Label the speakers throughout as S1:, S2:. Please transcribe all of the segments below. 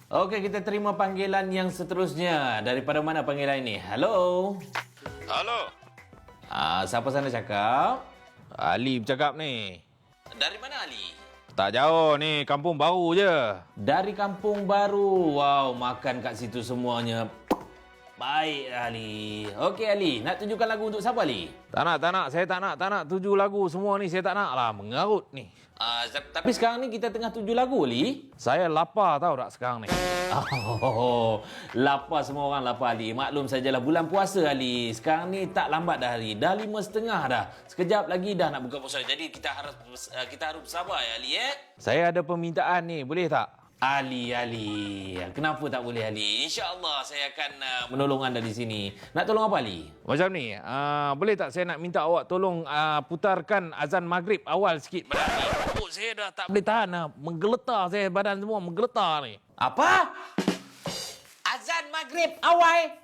S1: Okey, kita terima panggilan yang seterusnya. Daripada mana panggilan ini? Hello?
S2: Halo,
S1: Siapa sana cakap?
S2: Ali bercakap ni.
S1: Dari mana Ali?
S2: Tak jauh ni, kampung baru je.
S1: Dari Kampung Baru. Wow, makan kat situ semuanya. Baik Ali. Okey Ali, nak tunjukkan lagu untuk siapa Ali?
S2: Tak nak. Saya tak nak tuju lagu semua ni. Saya tak nak lah, mengarut ni.
S1: Tapi sekarang ni kita tengah tuju lagu Ali.
S2: Saya lapar tau tak sekarang ni.
S1: Oh, lapar semua orang lapar Ali. Maklum sajalah bulan puasa Ali. Sekarang ni tak lambat dah Ali. Dah 5.30 dah. Sekejap lagi dah nak buka puasa. Jadi kita harus bersabar ya Ali
S2: Saya ada permintaan ni, boleh tak?
S1: Ali. Kenapa tak boleh Ali? InsyaAllah saya akan menolong anda di sini. Nak tolong apa Ali?
S2: Macam ni, boleh tak saya nak minta awak tolong putarkan azan maghrib awal sikit badan ni. Oh, saya dah tak boleh tahan lah. Menggeletar saya, badan semua menggeletar ni.
S1: Apa? Azan maghrib awal?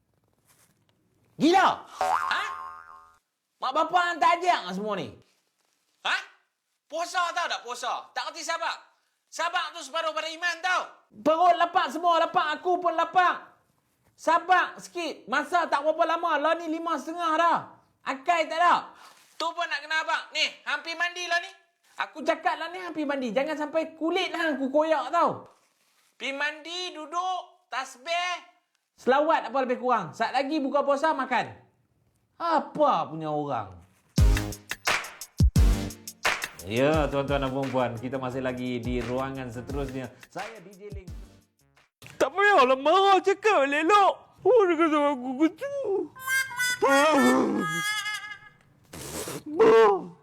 S1: Gila? Ha? Mak bapak hantar ajak semua ni? Ha? Puasa tau tak puasa? Tak kerti sabak? Sabak tu separuh pada iman tau. Perut lapak semua, lapak aku pun lapak. Sabak sikit. Masa tak berapa lama. Lah ni 5.30 dah. Akai tak ada. Tu pun nak kena abang. Ni, hampir mandi lah ni. Aku cakap lah ni hampir mandi. Jangan sampai kulit lah aku koyak tau. Pergi mandi, duduk, tasbih. Selawat apa lebih kurang. Saat lagi buka puasa, makan. Apa punya orang. Ya, tuan-tuan dan puan-puan, kita masih lagi di ruangan seterusnya. Saya DJ Ling.
S2: Tak payahlah marah, cakap elok. Oh, dia kata aku gitu.